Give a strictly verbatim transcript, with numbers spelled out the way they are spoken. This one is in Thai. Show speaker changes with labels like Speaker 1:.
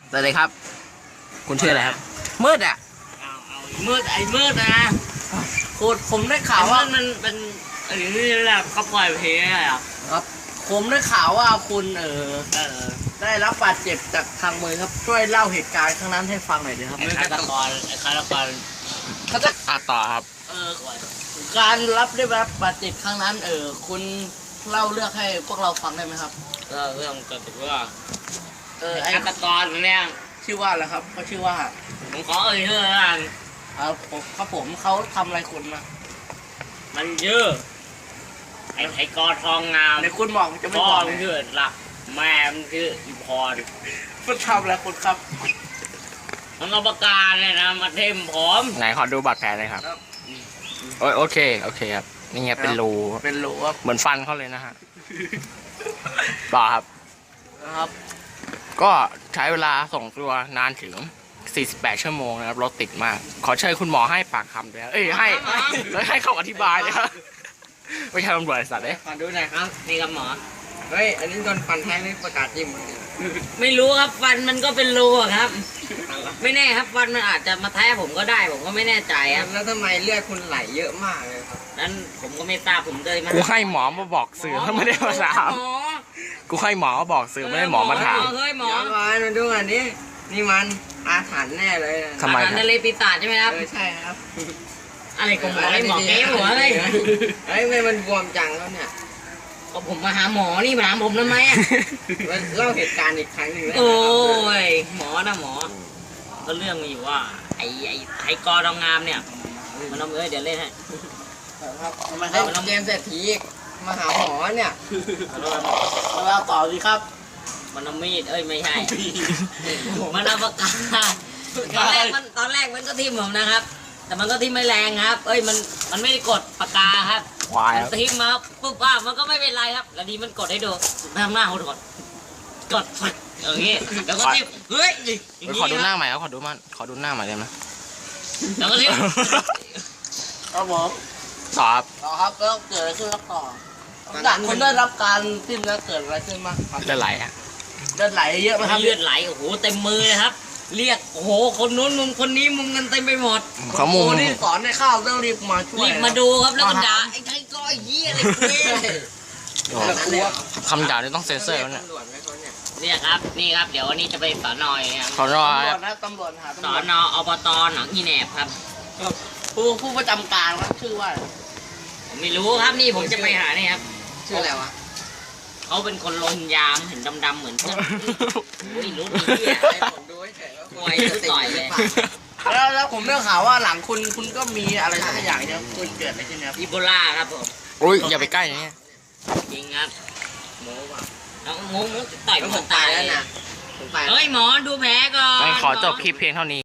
Speaker 1: สวัสดีครับคุณชื่ออะไรครับมืดอ่ะ
Speaker 2: เอาเอามืดไอ้มืดนะ
Speaker 1: คุณผมได้ข่าวว่า
Speaker 2: มันเป็นอย่างนี้แหละเขาปล่อยเพลงอะไรอ่ะ
Speaker 1: ครับผมได้ข่าวว่าคุณเออ
Speaker 2: เออ
Speaker 1: ได้รับบาดเจ็บจากทางมือครับช่วยเล่าเหตุการณ์ครั้งนั้นให้ฟังหน่อยดีครับ
Speaker 2: ไอ้ฆาตกรไอ้ฆาตกร
Speaker 1: เขาจะ
Speaker 3: อ่ะต่อครับ
Speaker 1: เออการรับได้รับบาดเจ็บครั้งนั้นเออคุณเล่าเรื่องให้พวกเราฟังได้ไหมครับ
Speaker 2: เออเรื่องเกิดจากว่า
Speaker 1: เออไอ้
Speaker 2: ฆาตกรเนี่ย
Speaker 1: ชื่อว่าอะไรครับเขาชื่อว่า
Speaker 2: ผมขอเอ่ยชื่อแล้วกัน
Speaker 1: ครับผมครับผมเขาทำอะไรคุณมา
Speaker 2: มันเยอะไอ้ไอ้กอทองงาม
Speaker 1: ในคุณบอกจะไม่
Speaker 2: พ่อ
Speaker 1: บอก
Speaker 2: มันชื่อหลักแม่มันชื่ออีพร
Speaker 1: คุณทำอะไรคุณครับ
Speaker 2: มันเอาปากกาเนี่ยนะมาเทมผม
Speaker 3: ไหนขอดูบาดแผลหน่อยครับโอโอเคโอเคครับนี่ไงเป็นรู
Speaker 1: เป็นรูครับ
Speaker 3: เหมือนฟันเขาเลยนะฮะต่อครับ
Speaker 1: นะครับ
Speaker 3: ก็ใช้เวลาส่งตัวนานถึงสี่สิบแปดชั่วโมงนะครับรถติดมากขอเชิญคุณหมอให้ปากคำด้วยเอ้ยให้แล้วให้เขาอธิบายเลยครับไม่ใช่ตำรวจสัตว์เอ้ย
Speaker 2: ขอดูหน่อยครับนี่ครับหมอ
Speaker 1: เฮ้ยอันนี้โดนฟันแท้ไม่ประกาศจิ้ม
Speaker 2: ไม่รู้ครับฟันมันก็เป็นรูครับไม่แน่ครับฟันมันอาจจะมาแท้ผมก็ได้ผมก็ไม่แน่ใจครับ
Speaker 1: แล้วทำไมเลือดคุณไหลเยอะมากเลยครับ
Speaker 2: นั้นผมก็ไม่ทราบผมเลยมา
Speaker 3: กูให้หมอมาบอกสื่อไม่ได้มาถามกูให้หมอมาบอกสื่อไม่ได้หมอมาถาม
Speaker 2: เฮ้ยหมอ
Speaker 1: มามาดูอันนี้นี่มันอาถรรพ์แน่เลย
Speaker 3: ทำไม
Speaker 2: ทะเลปีศาจใช่ไหมครับ
Speaker 1: เออใช่ครับ
Speaker 2: อะไรของหมอไอ้หมอเก๋หัวเลย
Speaker 1: เฮ้ยมันบวมจังแล้วเนี่ย
Speaker 2: ก็ผมมาหาหมอนี่มาหาผมทำไมอ่ะ
Speaker 1: เล่าเหตุการณ์อีกครั้งหนึ่ง
Speaker 2: โอ้ยหมอนะหมอก็เรื่องมีอยู่ว่าไอ้ไอ้ไอ้กอทองงามเนี่ยมันเอาเอ้ยเดี๋ยวเล่นให้
Speaker 1: ครับทำไมครับเกมเศรษฐีมาหาหมอเนี่ยเราต่อสิครับ
Speaker 2: มันเอามีดเอ้ยไม่ใช่มันเอาปากกาตอนแรกมันตอนแรกมันก็ทิ่มผมนะครับแต่มันก็ทิ่มไม่แรงครับเอ้ยมันมันไม่ได้กดปากกาครับมันทิ่มมาปุ๊บป้ามันก็ไม่เป็นไรครับแล้วดีมันกดให้ดูทำหน้าเขากดกดฝักอย่างงี้แล้วก็ทิ่มเฮ้ย
Speaker 3: ขอดูหน้าใหม่ครับขอดูมันขอดูหน้าใหม่ได้ไหม
Speaker 2: แล้วก็ทิ่ม
Speaker 1: ครับผม
Speaker 3: ต่อครับ
Speaker 1: ต่อครับแล้วเกิดอะไรขึ้นครับต่อจากคนได้รับการทิ่มแล้วเกิดอะไรขึ้นบ้างครับ
Speaker 3: เลือดไหลฮะ
Speaker 1: เลือดไหลเยอะไหมครับ
Speaker 2: เลือดไหลโอ้โหเต็มมือเลยครับเรียกโอ้โหคนนู้นมุมคนนี้มุมกันเต็มไปหมด
Speaker 3: เขามุม
Speaker 1: นี่สอนในข้าวต้องรีบมาช่วย
Speaker 2: รีบมาดูครับแล้วก็ด่าไอ้ไอ้ก้อยเหี้ยอะไร
Speaker 1: เนี่ย
Speaker 3: คำด่านี่ต้องเซ็นเซอร์แล้วเนี่ย
Speaker 2: เนี่ยครับนี่ครับเดี๋ยววันนี้จะไปสอนอยครับ
Speaker 3: สอนอย
Speaker 1: ตำรวจหา
Speaker 2: สอนออบตหนองอีแหนบครับ
Speaker 1: ผู้ผู้ประจำการครับชื่อว่า
Speaker 2: ผมไม่รู้ครับนี่ผมจะไปหาเนี่ยครับ
Speaker 1: ชื่ออะไรวะ
Speaker 2: เขาเป็นคนลนยามเห็นดำๆเหมือนเพื่อนไม่รู้ดีอ่ะผมดูเฉยๆว่าต่อยเลย
Speaker 1: แล้วแล้วผมได้ข่าวว่าหลังคุณคุณก็มีอะไรสักอย่างเนี่ยคุณเกิดอะไรขึ้นครับ
Speaker 2: อีโบลาครับผม
Speaker 3: อุ้ยอย่าไปใกล้อย่างนี้
Speaker 2: จริงครับโม้ว่ะแล้วงงต่อยผมตายแล้วนะ
Speaker 1: เ
Speaker 2: ฮ้ยหมอดูแผลก่อน
Speaker 3: ขอจบคลิปเพียงเท่านี้